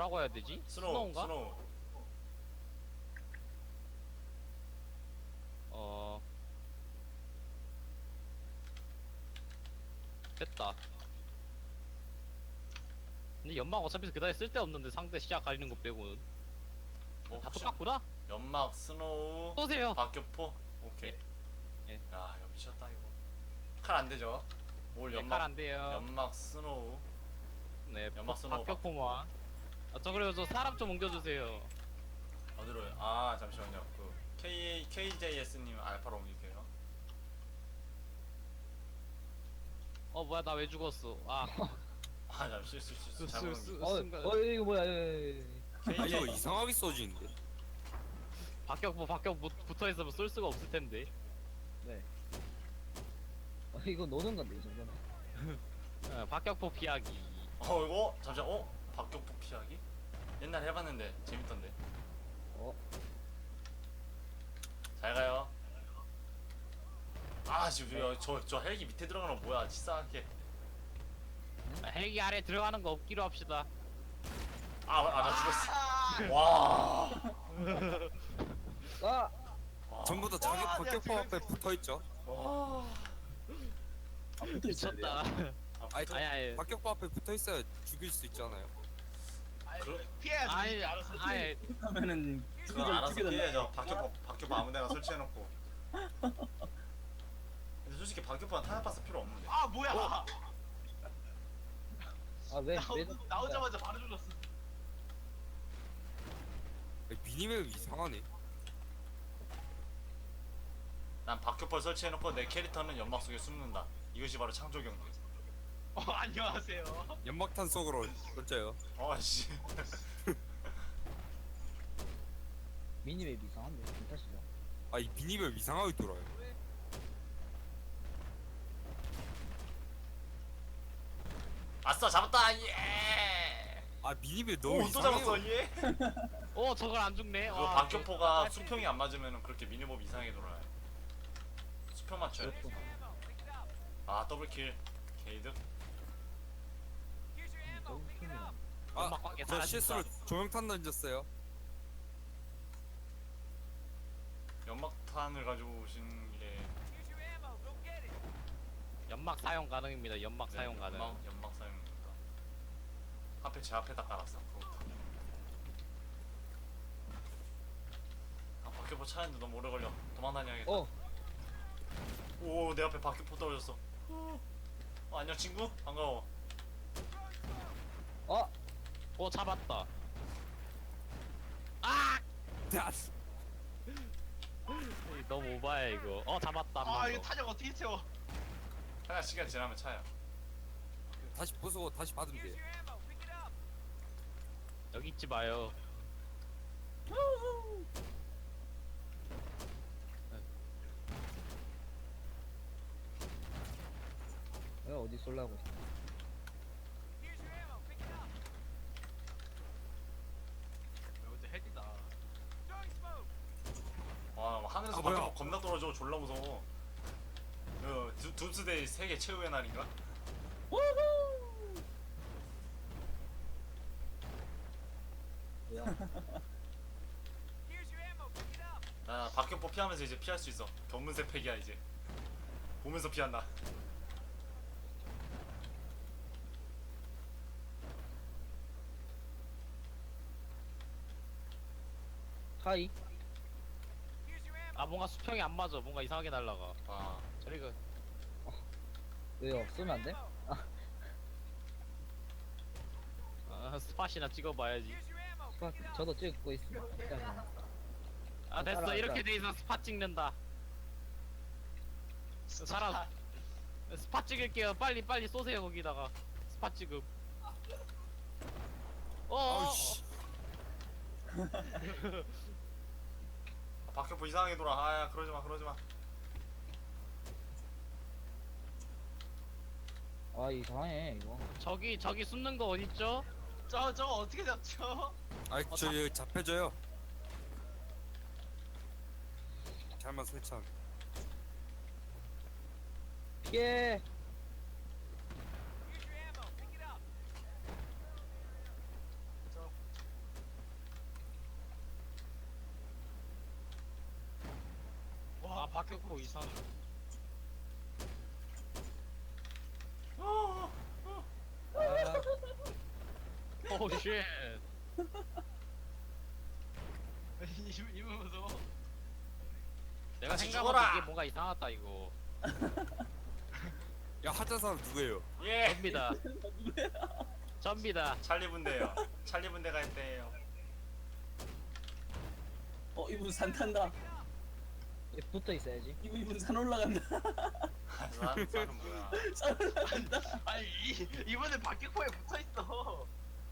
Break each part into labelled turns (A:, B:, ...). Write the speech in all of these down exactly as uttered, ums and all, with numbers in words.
A: 뭐라고 해야 되지?
B: 스노우
A: 스노우인가?
B: 스노우.
A: 어 됐다. 근데 연막 어차피 그다지 쓸데없는데 상대 시야 가리는 거 빼고는
B: 뭐
A: 다
B: 혹시
A: 똑같구나?
B: 연막 스노우
A: 쏘세요.
B: 박격포. 오케이.
A: 예.
B: 야 이거 미쳤다 이거. 칼 안 되죠? 올
A: 네,
B: 연막
A: 칼안 돼요.
B: 연막 스노우.
A: 네,
B: 연막 스노우
A: 박격포만. 아, 저 그리고 저 사람 좀 옮겨주세요.
B: 어디로요? 아 잠시만요. 그 K 케이제이에스님 알파로 옮길게요.
A: 어 뭐야 나 왜 죽었어? 아,
B: 아 잠시 실수 실수 잘못
A: 수-
B: 옮길.
A: 수-
C: 어,
A: 순간-
C: 어 이거 뭐야? 예, 예, 예.
D: 아 이거
B: 케이제이
D: 이상하게 써지는데.
A: 박격포 박격 붙어 있으면 쏠 수가 없을 텐데.
C: 네. 어, 이거 노는 건데 이 정도는.
A: 어, 박격포 피하기.
B: 어 이거 잠시만. 어 박격포 피하기? 옛날 해봤는데 재밌던데.
C: 어,
B: 잘 가요. 아 지금 저저 저 헬기 밑에 들어가는 거 뭐야? 치사하게.
A: 아, 헬기 아래 들어가는 거 없기로 합시다.
B: 아아 나 죽었어. 와.
C: 아,
B: 와.
D: 전부 다 자기
E: 와,
D: 박격포
E: 내가
D: 앞에 붙어 있죠.
B: 와.
A: 미쳤다.
B: 아,
D: 아니,
A: 아니 아니
D: 박격포 앞에 붙어 있어야 죽일 수 있잖아요.
B: 그-
E: 피해야지.
A: 아니
E: 알아서.
A: 아니
F: 하면은
B: 그거 알아서 피해야죠. 박격포 박격포 아무데나 설치해놓고. 근데 솔직히 박격포는 탄약박스 필요 없는데.
E: 아 뭐야?
C: 아 왜?
E: 나오,
C: 왜?
E: 나오자마자 바로 죽었어.
D: 미니맵 이상하네.
B: 난 박격포를 설치해놓고 내 캐릭터는 연막 속에 숨는다. 이것이 바로 창조 경제.
E: 어 안녕하세요.
D: 연막탄 속으로 던져요.
B: 어씨.
C: 미니맵 이상한데 괜찮시죠?
D: 아 이 미니맵 이상하게 돌아요.
B: 아싸 잡았다 예.
D: 아 미니맵 너무
B: 오또
D: 이상해요.
B: 잡았어 예.
A: 어 저걸 안 죽네.
B: 그
A: 와,
B: 박격포가
A: 개-
B: 수평이 안 맞으면 그렇게 미니몹 이상하게 돌아요. 수평 맞춰야 돼. 아 더블킬 게이드.
A: 연막 관계
D: 아저
A: 사라진다.
D: 실수로 조명탄 던졌어요.
B: 연막탄을 가지고 오신 게
A: 연막 사용 가능입니다. 연막 사용 가능.
B: 연막, 연막 사용입니다. 앞에 제 앞에다 깔았어. 그거부터. 아 박격포 차는데 너무 오래 걸려. 도망다녀야겠다.
C: 어,
B: 오 내 앞에 박격포 떨어졌어. 어, 안녕 친구 반가워.
C: 아,
A: 어 잡았다. 아!
D: 야,
A: 너무 오바야 이거. 어 잡았다. 한
E: 아
A: 번
E: 이거
A: 더.
E: 탄약 어떻게 채워?
B: 하나 시간 지나면 차요.
D: 다시 부수고 다시 받으면 돼.
A: 여기 있지 마요.
C: 내가 어디 쏠라고?
E: 이제 핵이다.
B: 와 하늘에서
D: 아, 뭐야?
B: 박격포 겁나 떨어져. 졸라 무서워. 그 두- 둠스데이 세계 최후의 날인가?
C: 뭐야?
B: 나 박격포 피하면서 이제 피할 수 있어. 견문색 팩이야 이제. 보면서 피한다.
C: 하이.
A: 아 뭔가 수평이 안 맞아. 뭔가 이상하게 날라가.
B: 와.
A: 저리가
C: 왜요? 쏘면 안 돼?
A: 아, 스팟이나 찍어봐야지.
C: 스파, 저도 찍고 있습니다. 일단은.
A: 아 됐어.
C: 따라,
A: 이렇게
C: 따라.
A: 돼 있어. 스팟 찍는다. 사람 스팟 찍을게요. 빨리 빨리 쏘세요 거기다가. 스팟 찍음. 어.
D: 아우씨.
B: 아, 박격포 이상하게 돌아. 아야 그러지 마 그러지 마.
C: 아 이상해 이거.
A: 저기 저기 숨는 거 어딨죠?
E: 저 저거 어떻게 잡죠?
D: 아저 여기 잡혀줘요. 잘만 설치한.
C: 피해.
E: 저
A: 박격포 이상.
B: 어,
C: 아,
A: 오 쉣.
E: 이분 이분 무서워.
A: 내가
B: 같이
A: 생각한
B: 죽어라!
A: 이게 뭔가 이상하다 이거.
D: 야 하자 사람 누구예요?
B: 예.
A: 접니다. 접니다.
B: 찰리 분대요. 찰리 분대가 있대요.
F: 어 이분 산 탄다.
C: 얘 붙어 있어야지.
F: 이분 이분 산 올라간다.
B: 산 산은 뭐야?
F: 산 올라간다.
E: 아니 이 이번에 박격포에 붙어 있어.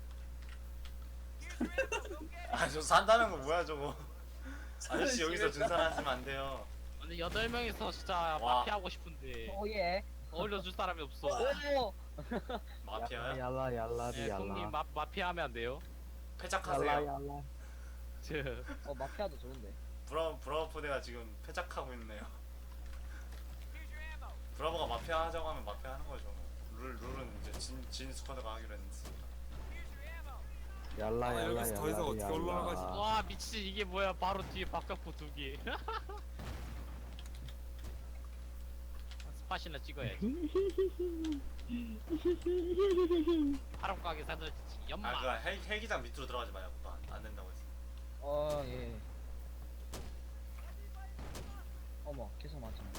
B: 아 저 산다는 거 뭐야 저거? 아저씨
F: 산을
B: 여기서
F: 지냈다.
B: 등산하시면 안 돼요.
A: 근데 여덟 명이서 진짜
B: 와.
A: 마피아 하고 싶은데
C: 오예.
A: 어울려줄 사람이 없어.
C: 오.
B: 마피아야?
G: 얄라 얄라리
A: 예, 형님
G: 얄라
A: 마 마피아 하면 안 돼요?
G: 얄라
B: 패작하세요.
G: 얄라
A: 저
C: 어 마피아도 좋은데.
B: 브라보 브라보 포대가 지금 패작하고 있네요. 브라보가 마피아 하자고 하면 마피아 하는 거죠. 룰 룰은 이제 진 진 스쿼드가 하기로 했으니까.
G: 얄라
D: 아,
G: 얄라
D: 여기서 더 이상
G: 얄라리
D: 어떻게 올라가지?
G: 얄라
A: 와 미친 이게 뭐야 바로 뒤에 박격포 두 개. 스팟이나 찍어야지. 바람 가게 사들 연마.
B: 아 그 헬 헬기장 밑으로 들어가지 마요. 그거 안, 안 된다고 했어.
C: 어 예. 어머 계속 맞잖아.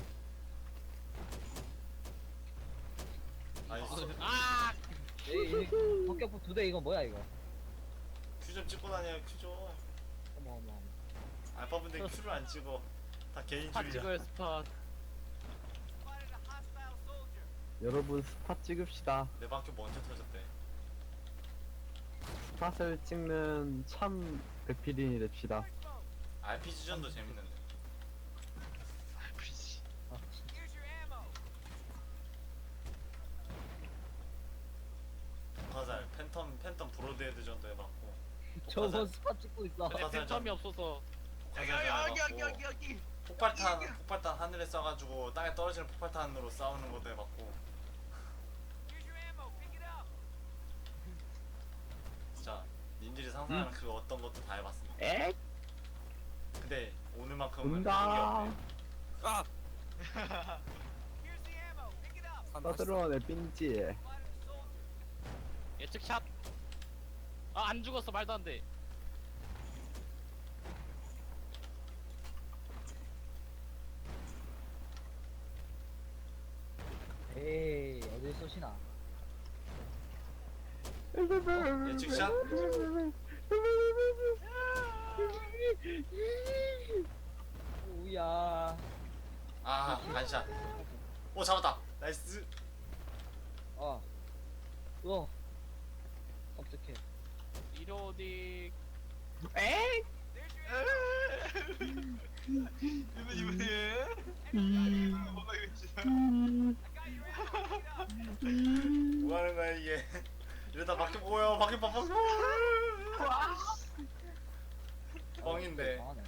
B: 아니
A: 아
C: 에이 박격포 두 대 이거 뭐야 이거?
B: 큐 좀 찍고 다녀요. 큐 좀.
C: 어머 어머 어머.
B: 알파 분들 큐를 안 찍어. 다 개인
A: 스팟
B: 줄이야.
A: 찍어요 스팟.
G: 여러분 스팟 찍읍시다.
B: 내 바퀴 먼저 터졌대.
G: 스팟을 찍는 참 배필인이 됩시다.
B: 알피지전도 재밌는데.
E: 아이씨.
C: 아 진짜.
B: 화살 팬텀 팬텀 브로드헤드전도 해봤고.
C: 저거 스팟 찍고 있어.
A: 근데
B: 화살 좀-
A: 팬텀이 없어서
E: 여기
B: 화살전
E: 여기 여기 여기
B: 해봤고.
E: 여기 여기.
B: 폭발탄 폭발탄 하늘에 쏴가지고 땅에 떨어지는 폭발탄으로 싸우는 것도 해봤고. 진짜 님들이 상상하는 그 어떤 것도 다 해봤습니다.
G: 에?
B: 근데 오늘만큼은
G: 온다.
B: 하는 게 없네요.
D: 아! 산 다시
G: 떠들어 내 빈지.
A: 예측 샷. 아 안 죽었어 말도 안 돼.
C: 에이 어딜 쏘시나?
B: 예측샷?
C: 오야.
B: 아 반샷. 오 잡았다. 나이스.
C: 어. 어. 깜짝해.
A: 이로딕.
E: 이분 이분이. 뭐가 이거 진짜.
B: 뭐 하는 거야 이게. 이러다 바퀴 보여. 바퀴 봐 바퀴. 뻥인데.
C: 이상하네.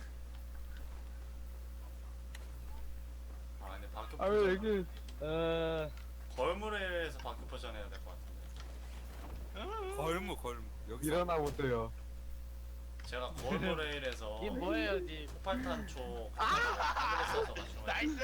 B: 아 근데 바퀴
G: 아유 여기
C: 어.
B: 걸물에서 바퀴 포션 해야 될 것 같은데.
D: 걸무 걸무 여기서
G: 일어나 보세요.
B: 제가 걸물레일에서
A: 이 뭐예요 니?
B: 폭발탄 쪽 하늘에 쏴서 맞춘 거예요.
E: 나이스.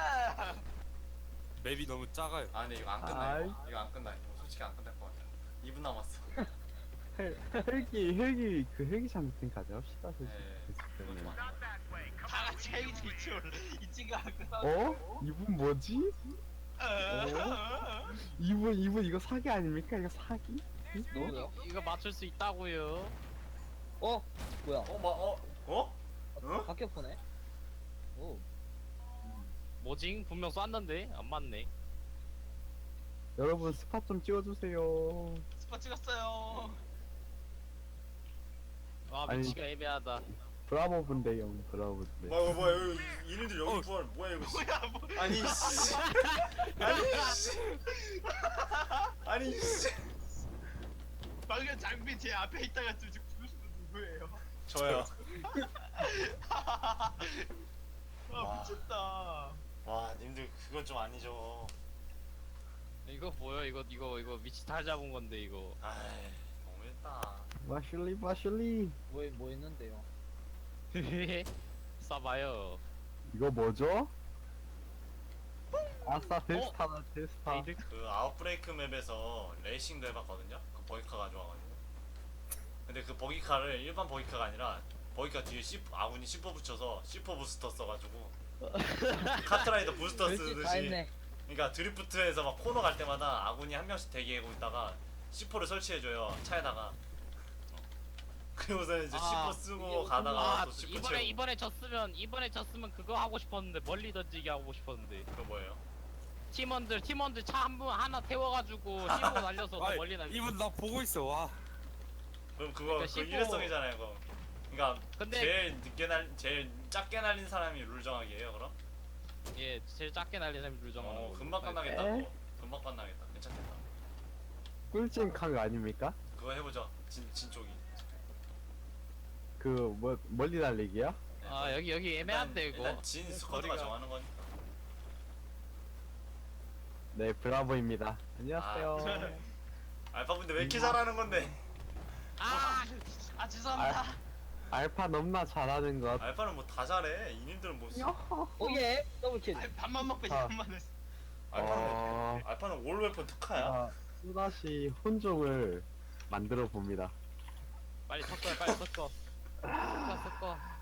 D: 맵이 너무 작아요.
B: 아 근데 이거 안 끝나 이거. 이거 안 끝나. 이거 솔직히 안 끝날 것 같아. 이 분 남았어.
G: 헬- 헬기 헬기 그 헬기 장면 가져갑시다.
B: 네. 이건 좀
G: 솔직히.
B: 아닌 것 같아.
E: 다 같이 헤이즈 이쪽을 이 친구가 끝나.
G: 어? 이분 뭐지? 어? 이분 이분 이거 사기 아닙니까? 이거 사기?
C: 누구요?
A: 이거 맞출 수 있다고요.
C: 어? 뭐야?
B: 어? 뭐? 어? 어? 어?
C: 박격포네? 오.
A: 뭐징? 분명 쐈는데 안 맞네.
G: 여러분 스팟 좀 찍어주세요.
E: 스파 찍었어요.
A: 와
G: 아니.
A: 위치가 애매하다.
G: 브라보 분대 형 브라보 분대.
B: 뭐야 뭐야 여기 이놈들 여기
D: 어.
B: 부활 뭐야 이거 씨.
E: 뭐야 뭐.
B: 아니 씨 아니 씨 아니 씨
E: 방금 장비 제 앞에 있다가 쭉 죽으신 분 누구예요?
B: 저요.
E: 아
B: 와.
E: 미쳤다.
B: 와 님들 그건 좀 아니죠.
A: 이거 뭐야 이거 이거 이거 위치 다 잡은 건데 이거.
B: 아이 너무했다.
G: 마슐리 마슐리.
C: 뭐, 뭐 있는데요?
A: 쏴봐요.
G: 이거 뭐죠? 아싸 데스타다 데스타.
A: 에이드.
B: 그 아웃브레이크 맵에서 레이싱도 해봤거든요. 그 버기카 가져와가지고. 근데 그 버기카를 일반 버기카가 아니라 버기카 뒤에 C, 아군이 씨포 붙여서 씨포 부스터 써가지고 카트라이더 부스터
C: 별짓 다
B: 쓰듯이.
C: 했네.
B: 그러니까 드리프트에서 막 코너 갈 때마다 아군이 한 명씩 대기하고 있다가 씨포를 설치해줘요 차에다가. 어. 그리고서 이제
A: 아,
B: 씨포 쓰고 가다가
A: 아
B: 또 씨포
A: 이번에
B: 채우고.
A: 이번에 졌으면 이번에 졌으면 그거 하고 싶었는데 멀리 던지기 하고 싶었는데
B: 그거 뭐예요?
A: 팀원들 팀원들 차 한 분 하나 태워가지고 씹고 날려서 더
D: 아이,
A: 멀리 날려.
D: 이분 나 보고 있어. 와.
B: 그럼 그거
A: 그러니까
B: 그
A: 씨포
B: 일회성이잖아요 그거. 그러니까
A: 근데-
B: 제일 늦게 날 제일 작게 날린 사람이 룰 정하기예요 그럼?
A: 예 제일 작게 날린 사람이 룰 정하는
B: 어
A: 거.
B: 금방 끝나겠다
G: 에?
B: 그거. 금방 끝나겠다 괜찮겠다.
G: 꿀잼 강 아닙니까?
B: 그거 해보죠 진, 진 쪽이.
G: 그 뭐 멀리 달리기야?
B: 네,
A: 아 여기 여기 애매한데
B: 일단,
A: 이거.
B: 일단 진 스쿼드가
A: 거리가-
B: 정하는 거니까.
G: 네 브라보입니다. 안녕하세요.
B: 알파 분들 왜 이렇게 잘하는 건데?
A: 아
E: 아 죄송합니다.
G: 알파 넘나 잘하는 것.
B: 알파는 뭐 다 잘해. 이님들은 뭐
C: 오예 더블킬.
E: 아, 밥만 먹고
G: 아.
E: 이것만 했어.
B: 알파는
G: 어...
B: 알파는 올 웨폰 특화야.
G: 아, 또다시 혼종을 만들어 봅니다.
A: 빨리 섞어 빨리 섞어. 섞어 섞어.